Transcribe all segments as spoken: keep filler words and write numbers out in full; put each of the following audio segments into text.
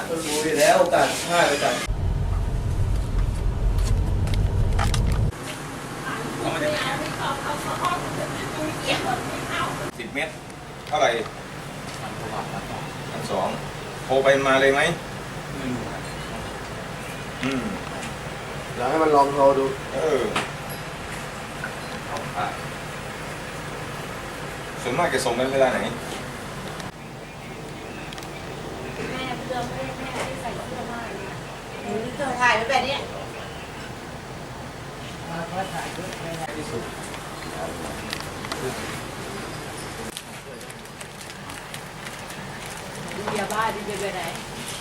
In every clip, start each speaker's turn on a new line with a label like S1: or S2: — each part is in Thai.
S1: รู้อยู่แล้วโอกาสพลาดไปกัน
S2: สิบเมตรเท่าไหร่พันสองโทรไปมาเลยไหมอืม
S1: อยากให้มันลองโทรดู
S2: เออส่วนมากจะส่งกันเวลาไหน
S3: แม่เพื่อนแม่แม่ที่ใส่เสื้อผ้าเนี่ยหนูเธอถ่ายไว้แบบนี้
S2: ที่สุด
S3: ดูยาบ้าดูไปไหน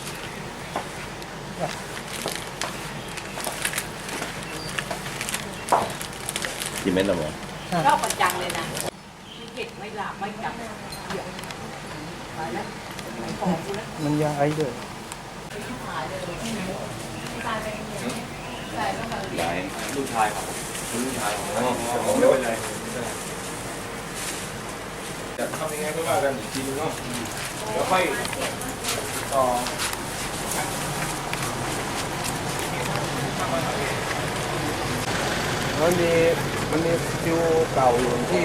S4: กี่เม็ดละหมอ
S3: รอบประจังเลยนะไม่เผ็ดไม่หลาบไม่จับเดี๋ยวไปแล้วไปขอกูแล้ว
S1: มันยาไอ้ด้วย
S3: ถ่ายเลยตายไปเงี้ยใส่แล้วแบบ
S4: ยาย
S2: ลูกชายครับลูกชายของน้องของเยอะเลยจะทำยังไงก็ว่ากันอีกทีนึงเนาะเดี๋ยวค่อยต่อ
S1: มันมีมันมีฟิวเก่าอยู่ที่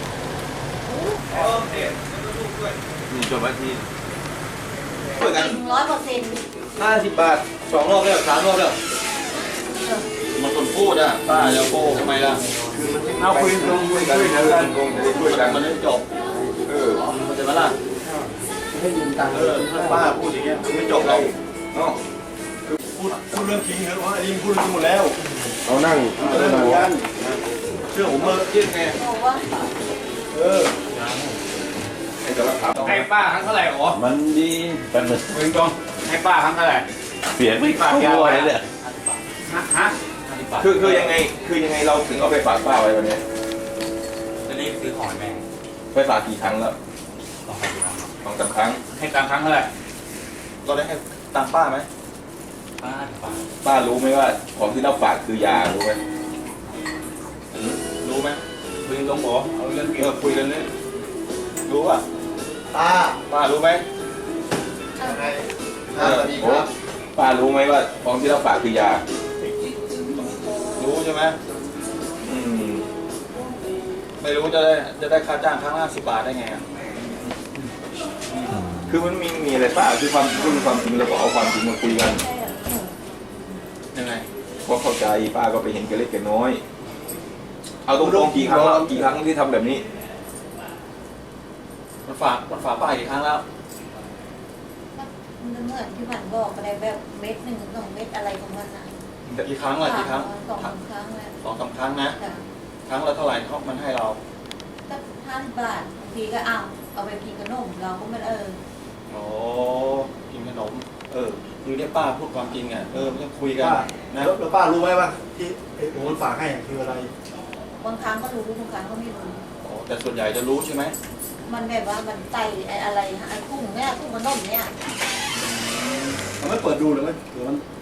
S4: นี่จบวันที่
S2: ช่วยกัน
S3: จริงร้อยเปอร์เซ็นต์
S2: ห้าสิบบาทสองรอบแล้วสามรอบแล้ว
S4: มันคนพูดอ่ะป้าจะโก้ทำไมล่ะ
S2: เอาคุยตรงคุยกันคุยกันตรงจะได้ช่วยกัน
S4: มันไม่จบ
S2: เออ
S4: มันจะมาล่ะ
S1: ให้ยืมตังค์
S4: เออถ้าป้าพูดอย่างเงี้ยมันไม่จบเรา
S2: เนาะ
S4: พูดพูดเรื่องจริงเหรอว่าอันนี้พูดเรื่องจริงหมดแล้ว
S1: เขานั่ง
S4: เออเหมือนกันเชื่อผมเมื่อกี้ไง
S3: บอกว่า
S4: เออ
S2: ไอ้จะรับถาม
S5: ให้ป้าครั้งเท่าไหร่หรอ
S4: มันดีแป๊บนึง
S5: เงินกองให้ป้าครั้งเท่าไหร่
S4: เสียงไม่เข้าตัวเลยเนี่ย
S5: ฮะฮะ
S2: คือคือยังไงคือยังไงเราถึงเอาไปฝากป้าไว้วันนี้
S5: จะรีบซื้อของแม่
S2: ไปฝากกี่ครั้งแล้ว
S5: สองพันบาท
S2: สองสามครั้ง
S5: ให้ตังค์ครั้งเท่าไหร่
S2: เราได้ให้ตังค์ป้าไหม
S5: ป้าป้า
S2: ป้ารู้ไหมว่าของที่เราฝากคือยารู้ไหมรู้ไหม
S5: คุยตรงหรอเอาเรื่อง
S2: เออคุยกันเนี่ยรู้ป่ะ
S1: ตา
S2: ป้ารู้ไหม
S1: ยังไง
S2: เออโอ้ป้ารู้ไหมว่าของที่เราฝากคือยา รู้ใช่ไหมอืม
S5: ไม่รู้จะได้จะได้ค่าจ้างครั้งละสิบบาทได้ไงอ่ะ
S2: คือมันมีมีอะไรป้าคือความคือความจริงเราก็เอาความจริงมาคุยกัน
S5: ยังไง
S2: เพราะเข้าใจป้าก็ไปเห็นแกเล็กแกน้อย เอาตรงๆกี่ครั้งแล้วกี่ครั้งที่ทำแบบนี้
S5: มันฝากมันฝากป้ากี่ครั้งแล้ว
S3: มันเหมือนที่ผ่านบอกอะไรแบบเม็ดหนึ่งสองเม็ดอะไรของมันนะ
S5: กี่ครั้งล่ะกี่ครั้ง
S3: สองสามครั้งแล้ว
S5: สองสามครั้งนะ
S3: แต่
S5: ครั้งละเท่าไหร่เขามันให้เรา
S3: ก็ห้าสิบบาทบางทีก็เอาเอาไปกินขนมเราก็ไม่เออ
S5: โอ้กินขนม เออคือเนี่ยป้าพูดความจริงอ่ะเออไม่ต้องคุยกัน
S6: ป้า
S5: นะ
S6: แล้วแล้วป้ารู้ไหมว่าที่ไอ้โอนฝากให้อะคืออะไร
S3: บางครั้งก็รู้บางครั้งก็ไม่รู้
S5: โอ้แต่ส่วนใหญ่จะรู้ใช่ไหม
S3: มันแบบว่ามันใส่ไอ้อะไรไอ้กุ้งเนี่ยกุ้งขนมเนี่ย
S6: มันไม่เปิดดูเลยไหมหรือมัน